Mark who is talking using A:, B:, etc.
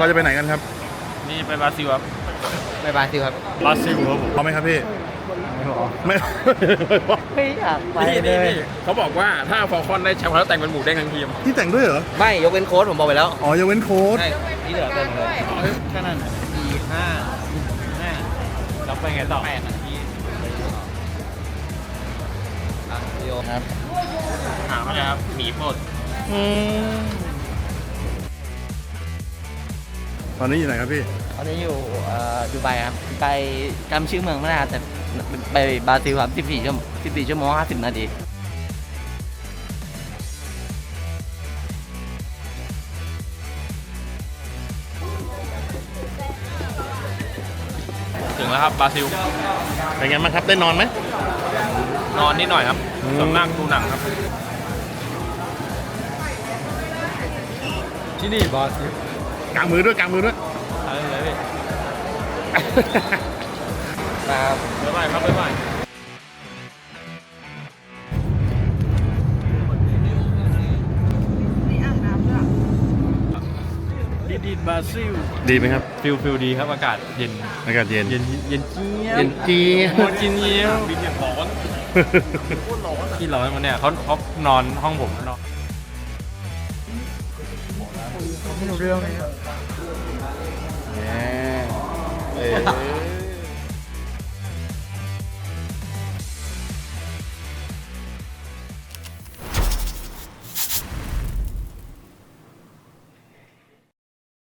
A: เราจะไปไหนกันครับ
B: นี่ไปบราซิลครับ
C: ไปบราซิลครับ
B: บราซิลครับผม
A: พร้อมไหมครับพี่ไม่
C: ไม่อยากไป
B: นี่
C: เล
B: นี่
C: ย
B: นี่เขาบอกว่าถ้าฟอลคอนได้แชมป์แล้วแต่งเป็นหมูเด้งทั้งทีม
A: พี่แต่งด้วยเหรอ
C: ไม่ยกเว้นโค้ดผมบอกไปแล้ว
A: อ๋อยกเว้นโค้ด
C: ใช่ที่เหลือเป็นเลยแค่นั้น4-5
B: แล้วไปไงต่อ
C: 8 นาทีโยครับ
B: ถามว่าไงครับหมีโปรด
A: ตอนนี้อยู่ไหนครับพี่
C: ตอนนี้อยู่ดูไบครับไปจำชื่อเมืองไม่ได้แต่ไปบราซิลครับ14 ชั่วโมง 50 นาที
B: ถึงแล้วครับบราซิล
A: เป็นไงบ้างครับได้นอนไหม
B: นอนนิดหน่อยครับส่วนมากดูหนังครับ ที่นี่บราซิล
A: กางมือด้วยกางมือด้วย
B: อะไรเลยพี่
C: ครับ
B: บ๊ายบายครับบ๊ายบายดีบราซิล
A: ดีไหมครับ
B: ฟิลดีครับอากาศเย็น
A: อากาศเย็น
B: เย็นเย็นเจี๊ยบ
A: เย็นจี
B: โคตรเจี๊ยบบินอย่างร้อนที่ร้อนมันเนี่ยเขานอนห้องผมนอน
C: ไม่รู้เรื่องเลย
A: เออ